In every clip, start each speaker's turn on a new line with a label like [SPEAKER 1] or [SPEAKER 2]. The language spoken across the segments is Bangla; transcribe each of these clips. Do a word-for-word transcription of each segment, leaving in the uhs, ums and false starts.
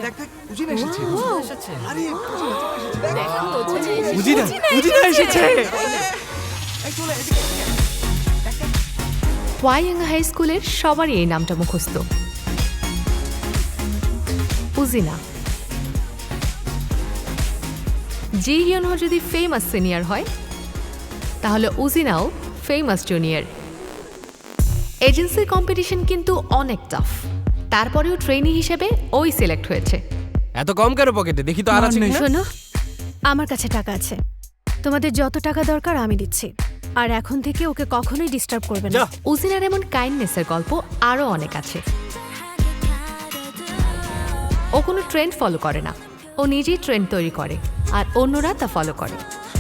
[SPEAKER 1] দেখ দেখ উজিনা এসেছে আরে
[SPEAKER 2] উজিনা উজিনা এসেছে
[SPEAKER 1] চলে এদিকে
[SPEAKER 3] ওয়াইয়াং হাই স্কুলের সবারই এই নামটা মুখস্থ, উজিনা। জি হিয়নহো যদি ফেমাস সিনিয়র হয়, তাহলে উজিনাও ফেমাস জুনিয়র। এজেন্সির কম্পিটিশন কিন্তু অনেক টাফ, তারপরেও ট্রেনি হিসেবে ওই সিলেক্ট হয়েছে।
[SPEAKER 2] এত কম কেন পকেটে? দেখি তো আর আছে কিনা।
[SPEAKER 4] শোনো, আমার কাছে টাকা আছে, তোমাদের যত টাকা দরকার আমি দিচ্ছি, আর এখন থেকে ওকে কখনোই ডিস্টার্ব করবে না।
[SPEAKER 3] উজিনার এমন কাইন্ডনেসের গল্প আরও অনেক আছে। ও কোনো ট্রেন্ড ফলো করে না, ও নিজেই ট্রেন্ড তৈরি করে আর অন্যরা তা ফলো করে।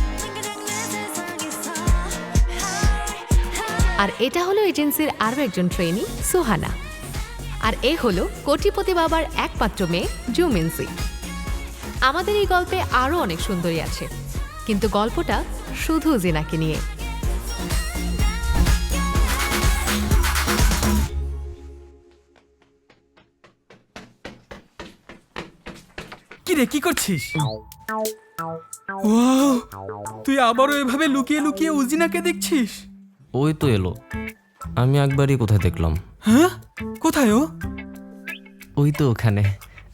[SPEAKER 3] আর এটা হলো এজেন্সির আরও একজন ট্রেনি, সুহানা। আর এ হলো কোটিপতি বাবার একমাত্র মেয়ে, জুমিনসি। আমাদের এই গল্পে আরও অনেক সুন্দরী আছে, কিন্তু গল্পটা শুধু জিনাকে নিয়ে।
[SPEAKER 5] কি রে, কি করছিস? ওয়াও, তুই আবারও এভাবে লুকিয়ে লুকিয়ে উজিনাকে দেখছিস?
[SPEAKER 6] ওই তো এলো, আমি একবারই কোথায় দেখলাম।
[SPEAKER 5] হ্যাঁ, কোথায় ও?
[SPEAKER 6] ওই তো ওখানে।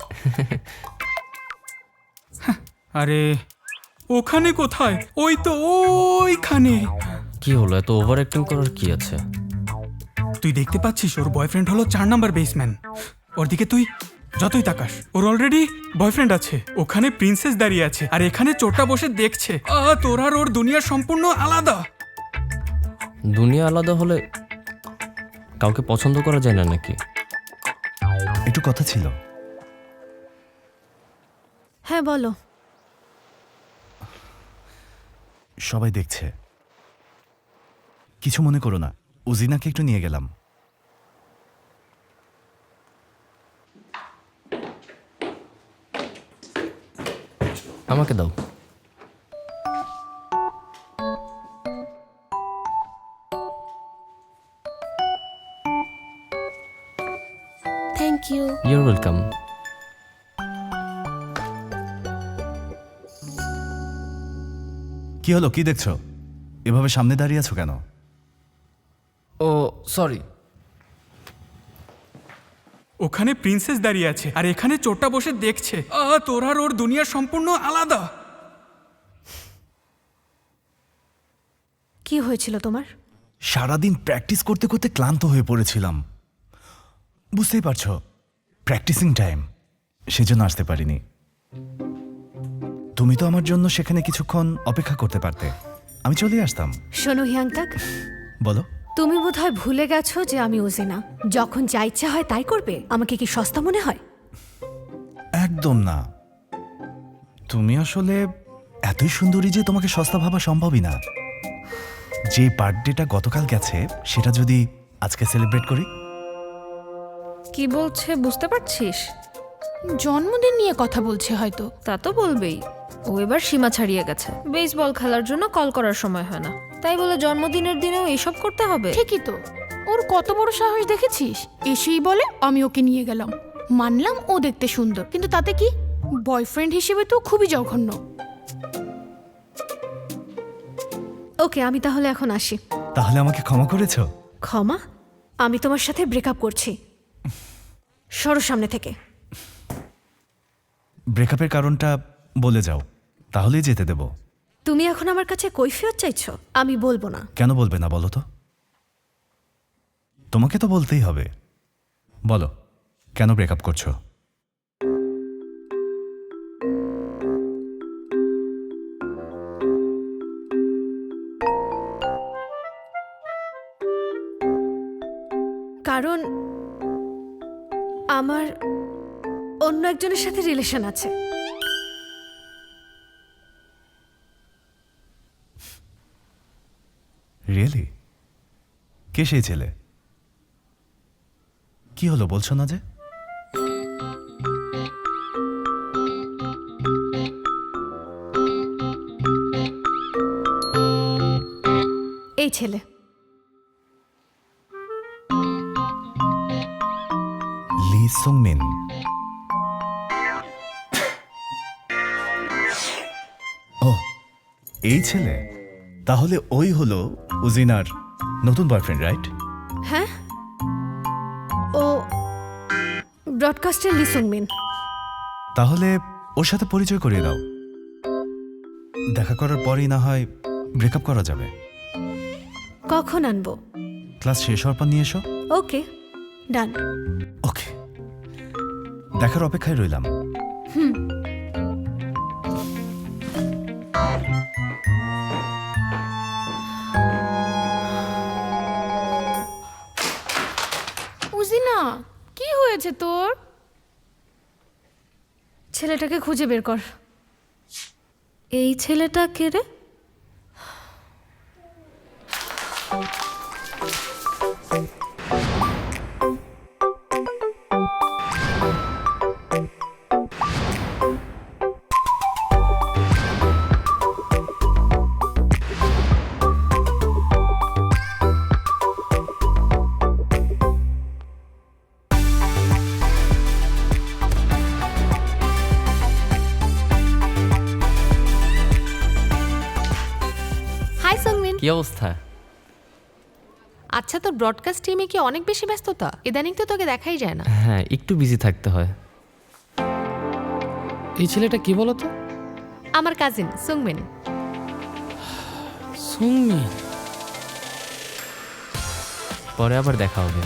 [SPEAKER 5] আরে ওখানে কোথায়? ওই তো ওইখানে।
[SPEAKER 6] কি হলো, এত ওভার অ্যাক্টিং করার কি আছে?
[SPEAKER 5] তুই দেখতে পাচ্ছিস ওর বয়ফ্রেন্ড হলো চার নাম্বার বেসম্যান। ওর দিকে তুই যতই তাকাস, ওর অলরেডি বয়ফ্রেন্ড আছে। ওখানে প্রিন্সেস দাঁড়িয়ে আছে, আর এখানে চোরটা বসে দেখছে। আহ, তোর আর ওর দুনিয়া সম্পূর্ণ আলাদা।
[SPEAKER 6] দুনিয়া আলাদা হলে কাউকে পছন্দ করা যায় না নাকি?
[SPEAKER 1] একটু কথা ছিল।
[SPEAKER 4] হ্যাঁ বলো।
[SPEAKER 1] সবাই দেখছে, কিছু মনে করো না। উজিনাকে একটু নিয়ে গেলাম।
[SPEAKER 6] আমাকে দাও।
[SPEAKER 4] Thank you.
[SPEAKER 6] You're welcome.
[SPEAKER 1] কি হলো, কি দেখছো? এভাবে সামনে দাঁড়িয়ে আছো কেন?
[SPEAKER 6] ও সরি।
[SPEAKER 5] ওখানে প্রিন্সেস দাঁড়িয়ে আছে, আর এখানে চোরটা বসে দেখছে। আহ, তোর আর ওর দুনিয়া সম্পূর্ণ আলাদা।
[SPEAKER 4] কি হয়েছিল তোমার?
[SPEAKER 1] সারাদিন প্র্যাকটিস করতে করতে ক্লান্ত হয়ে পড়েছিলাম। বুঝতেই পারছো, প্র্যাকটিসিং টাইম, সেজন্য আসতে পারিনি। তুমি তো আমার জন্য সেখানে কিছুক্ষণ অপেক্ষা করতে পারতে, আমি চলে আসতাম।
[SPEAKER 4] শোনো হিয়াংটাক,
[SPEAKER 1] বলো।
[SPEAKER 4] তুমি বোধহয় ভুলে গেছো যে আমি উজিনা। যখন যা ইচ্ছা হয় তাই করবে। আমাকে কি সস্তা মনে হয়?
[SPEAKER 1] একদম না, তুমি আসলে এতই সুন্দরী যে তোমাকে সস্তা ভাবা সম্ভবই না। যে বার্থডেটা গতকাল গেছে, সেটা যদি আজকে সেলিব্রেট করি।
[SPEAKER 7] কি বলছে বুঝতে পারছিস?
[SPEAKER 8] জন্মদিন নিয়ে কথা বলছে হয়তো।
[SPEAKER 7] তা তো বলবেই। ও এবার সীমা ছাড়িয়ে গেছে। বেসবল খেলার জন্য কল করার সময় হয় না, তাই বলে জন্মদিনের দিনেও এইসব করতে হবে?
[SPEAKER 8] ঠিকই তো, ওর কত বড় সাহস দেখেছিস? এসেই বলে আমি ওকে নিয়ে গেলাম। মানলাম ও দেখতে সুন্দর, কিন্তু তাতে কি? বয়ফ্রেন্ড হিসেবে তো খুবই জঘন্য।
[SPEAKER 4] ওকে, আমি তাহলে এখন আসি।
[SPEAKER 1] তাহলে আমাকে ক্ষমা করেছো?
[SPEAKER 4] ক্ষমা? আমি তোমার সাথে ব্রেকআপ করছি। সরো সামনে থেকে।
[SPEAKER 1] ব্রেকআপের কারণটা বলে যাও, তাহলেই যেতে দেব।
[SPEAKER 4] তুমি এখন আমার কাছে কৈফিয়ত চাইছো? আমি বলবো না।
[SPEAKER 1] কেন বলবে না বলো তো? তোমাকে তো বলতেই হবে। বলো, কেন ব্রেকআপ করছো?
[SPEAKER 4] কারণ আমার অন্য একজনের সাথে রিলেশন আছে।
[SPEAKER 1] রিয়েলি? কে সেই ছেলে? কি হলো বলছো না যে?
[SPEAKER 4] এই ছেলে।
[SPEAKER 1] লি সুংমিন। এই ছেলে তাহলে ওই হলো উজিনার নতুন বয়ফ্রেন্ড, রাইট?
[SPEAKER 4] হ্যাঁ, ও ব্রডকাস্টের লিসুংমিন।
[SPEAKER 1] তাহলে ওর সাথে পরিচয় করিয়ে দাও। দেখা করার পরই না হয় ব্রেকআপ করা যাবে।
[SPEAKER 4] কখন আনবো?
[SPEAKER 1] ক্লাস শেষ হওয়ার পর নিয়ে এসো।
[SPEAKER 4] ওকে, ডান।
[SPEAKER 1] ওকে, দেখার অপেক্ষায় রইলাম।
[SPEAKER 8] উজিনা, কি হয়েছে তোর?
[SPEAKER 4] ছেলেটাকে খুঁজে বের কর।
[SPEAKER 7] এই ছেলেটা কে রে?
[SPEAKER 3] Hi Sungmin.
[SPEAKER 6] কি অবস্থা?
[SPEAKER 3] আচ্ছা, তোর ব্রডকাস্ট টিমে কি অনেক বেশি ব্যস্ততা? ইদানিং তো তোকে দেখাই যায় না।
[SPEAKER 6] হ্যাঁ, একটু বিজি থাকতে হয়।
[SPEAKER 2] এই ছেলেটা কি বলতো?
[SPEAKER 3] আমার কাজিন সুংমিন।
[SPEAKER 2] সুংমি।
[SPEAKER 6] পরে আবার দেখা হবে।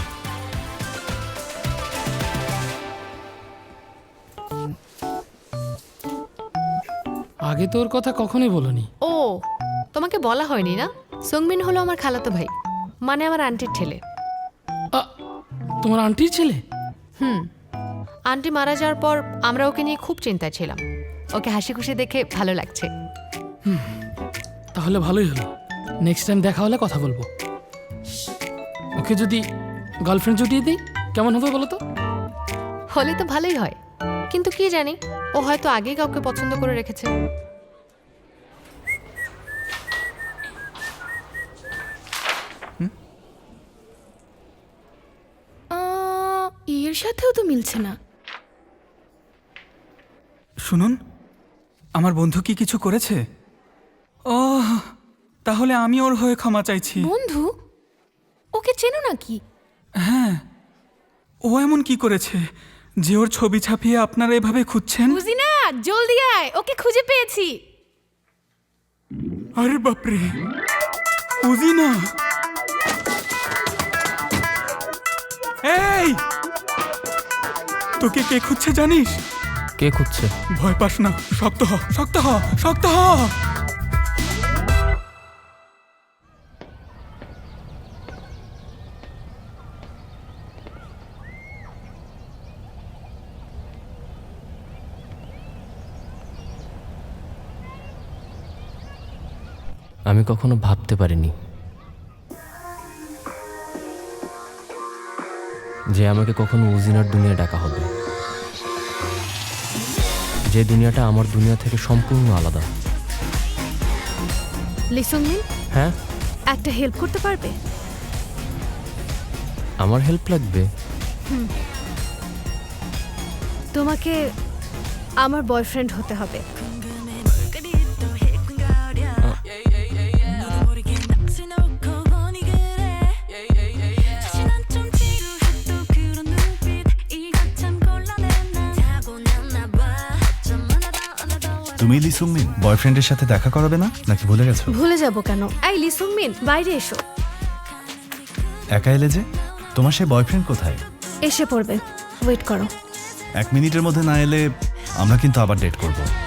[SPEAKER 2] আগে তোর কথা কখনোই বলনি।
[SPEAKER 3] ও, তোমাকে বলা হয়নি না? সুংমিন হলো আমার খালাতো ভাই, মানে আমার আন্টির ছেলে।
[SPEAKER 2] আ, তোমার আন্টির ছেলে?
[SPEAKER 3] হুম, আন্টি মারা যাওয়ার পর আমরা ওকে নিয়ে খুব চিন্তায় ছিলাম। ওকে হাসি খুশি দেখে ভালো লাগছে।
[SPEAKER 2] তাহলে ভালোই হলো। নেক্সট টাইম দেখা হলে কথা বলবো। ওকে যদি গার্লফ্রেন্ড জুটিয়ে দিই কেমন হবে বলো তো?
[SPEAKER 3] হলে তো ভালোই হয়, কিন্তু কি জানি, ও হয়তো আগেই কাউকে পছন্দ করে রেখেছে।
[SPEAKER 8] আহ, এর সাথেও তো মিলছে না।
[SPEAKER 5] শুনুন, আমার বন্ধু কি কিছু করেছে? ও, তাহলে আমি ওর হয়ে ক্ষমা চাইছি।
[SPEAKER 8] বন্ধু, ওকে চেনো নাকি?
[SPEAKER 5] হ্যাঁ, ও এমন কি করেছে যে ওর ছবি ছাপিয়ে আপনারা এভাবে খুঁজছেন?
[SPEAKER 8] উজিনা, জলদি আয়, ওকে খুঁজে পেয়েছি।
[SPEAKER 5] আরে বাপরে, উজিনা! এই, তোকে কে খুঁজছে জানিস?
[SPEAKER 6] কে খুঁজছে?
[SPEAKER 5] ভয় পাস না, শক্ত হ, শক্ত হ, শক্ত হ।
[SPEAKER 6] আমি কখনো ভাবতে পারিনি যে আমাকে কখনো উজিনার দুনিয়া ডাকা হবে, যে দুনিয়াটা আমার দুনিয়া থেকে সম্পূর্ণ আলাদা।
[SPEAKER 4] লিসুংমিন,
[SPEAKER 6] হ্যাঁ,
[SPEAKER 4] একটা হেল্প করতে পারবে?
[SPEAKER 6] আমার হেল্প লাগবে?
[SPEAKER 4] তোমাকে আমার বয়ফ্রেন্ড হতে হবে।
[SPEAKER 1] তুমি লিসুংমিন বয়ফ্রেন্ডের সাথে দেখা করাবে না নাকি ভুলে গেছো?
[SPEAKER 4] ভুলে যাব কেন? এই লিসুংমিন, বাইরে এসো।
[SPEAKER 1] একা এলে যে? তোমার সে বয়ফ্রেন্ড কোথায়?
[SPEAKER 4] এসে পড়বে, ওয়েট করো।
[SPEAKER 1] এক মিনিটের মধ্যে না এলে আমরা কিন্তু আবার ডেট করব।